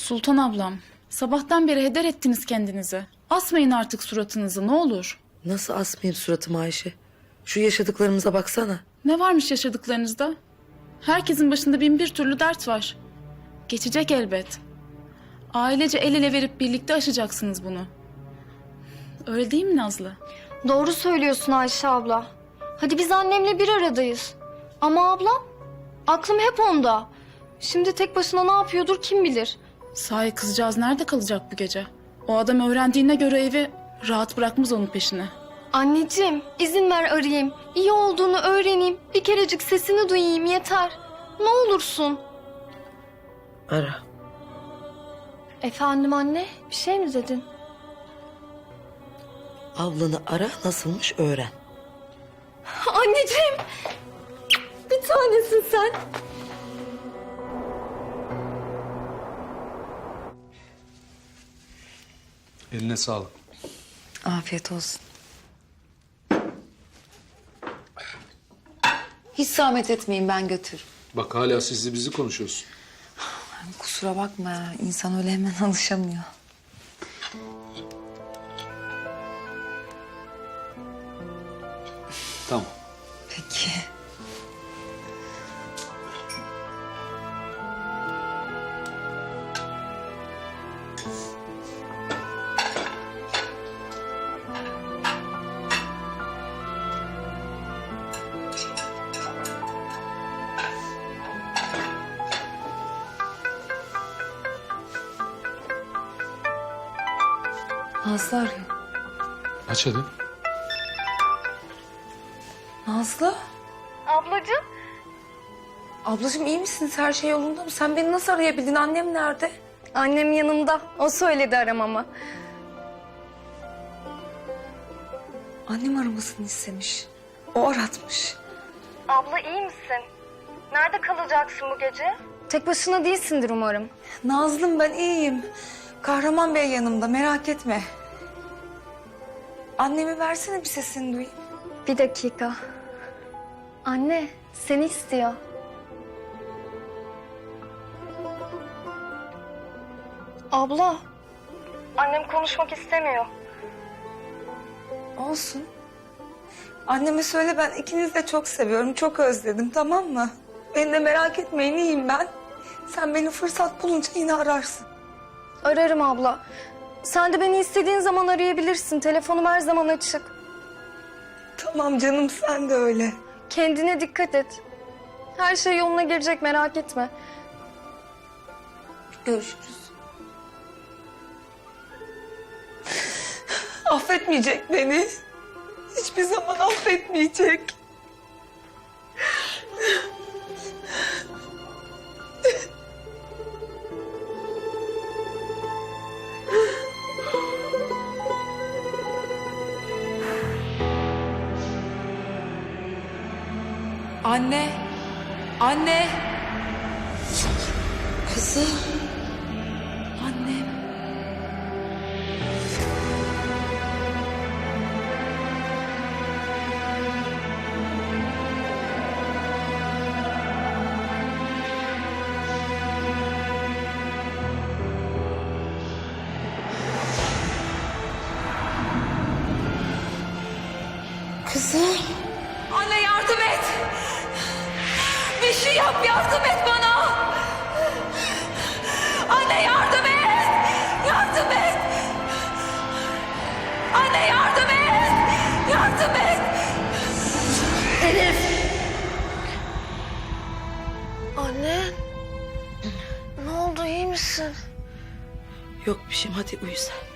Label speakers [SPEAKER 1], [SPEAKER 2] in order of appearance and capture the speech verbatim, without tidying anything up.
[SPEAKER 1] Sultan ablam, sabahtan beri heder ettiniz kendinizi. Asmayın artık suratınızı ne olur.
[SPEAKER 2] Nasıl asmayayım suratımı Ayşe? Şu yaşadıklarımıza baksana.
[SPEAKER 1] Ne varmış yaşadıklarınızda? Herkesin başında bin bir türlü dert var. Geçecek elbet. Ailece el ele verip birlikte aşacaksınız bunu. Öyle değil mi Nazlı?
[SPEAKER 3] Doğru söylüyorsun Ayşe abla. Hadi biz annemle bir aradayız. Ama ablam, aklım hep onda. Şimdi tek başına ne yapıyordur kim bilir.
[SPEAKER 1] Sahi kızcağız nerede kalacak bu gece? O adam öğrendiğine göre evi rahat bırakmaz onun peşine.
[SPEAKER 3] Anneciğim, izin ver arayayım. İyi olduğunu öğreneyim. Bir kerecik sesini duyayım yeter. Ne olursun.
[SPEAKER 2] Ara.
[SPEAKER 3] Efendim anne, bir şey mi dedin?
[SPEAKER 2] Ablanı ara, nasılmış öğren.
[SPEAKER 3] Anneciğim, bir tanesin sen.
[SPEAKER 4] Eline sağlık.
[SPEAKER 5] Afiyet olsun. Hiç zahmet etmeyin, ben götürürüm.
[SPEAKER 4] Bak hala sizli bizi konuşuyorsun.
[SPEAKER 5] Kusura bakma ya, insan öyle hemen alışamıyor.
[SPEAKER 4] Tamam.
[SPEAKER 5] Peki. Nazlı arıyor.
[SPEAKER 4] Aç hadi.
[SPEAKER 5] Nazlı?
[SPEAKER 3] Ablacığım.
[SPEAKER 5] Ablacığım iyi misiniz? Her şey yolunda mı? Sen beni nasıl arayabildin? Annem nerede?
[SPEAKER 3] Annem yanımda. O söyledi aramamı.
[SPEAKER 5] Annem aramasını istemiş. O aratmış.
[SPEAKER 3] Abla iyi misin? Nerede kalacaksın bu gece? Tek başına değilsindir umarım.
[SPEAKER 5] Nazlım ben iyiyim. Kahraman Bey yanımda, merak etme. Annemi versene, bir sesini duyayım.
[SPEAKER 3] Bir dakika. Anne, seni istiyor. Abla. Annem konuşmak istemiyor.
[SPEAKER 5] Olsun. Anneme söyle, ben ikinizi de çok seviyorum, çok özledim, tamam mı? Beni de merak etmeyin, iyiyim ben. Sen beni fırsat bulunca yine ararsın.
[SPEAKER 3] Ararım abla. Sen de beni istediğin zaman arayabilirsin. Telefonum her zaman açık.
[SPEAKER 5] Tamam canım, sen de öyle.
[SPEAKER 3] Kendine dikkat et. Her şey yoluna girecek, merak etme.
[SPEAKER 5] Görüşürüz. Affetmeyecek beni. Hiçbir zaman affetmeyecek. Anne. Anne.
[SPEAKER 2] Kızım.
[SPEAKER 5] Annem.
[SPEAKER 2] Kızım.
[SPEAKER 5] Anne yardım et. Bir şey yap, yardım et bana. Anne yardım et. Yardım et. Anne yardım et. Yardım et.
[SPEAKER 3] Anne. Ne oldu, iyi misin?
[SPEAKER 2] Yok bir şeyim, hadi uyu sen.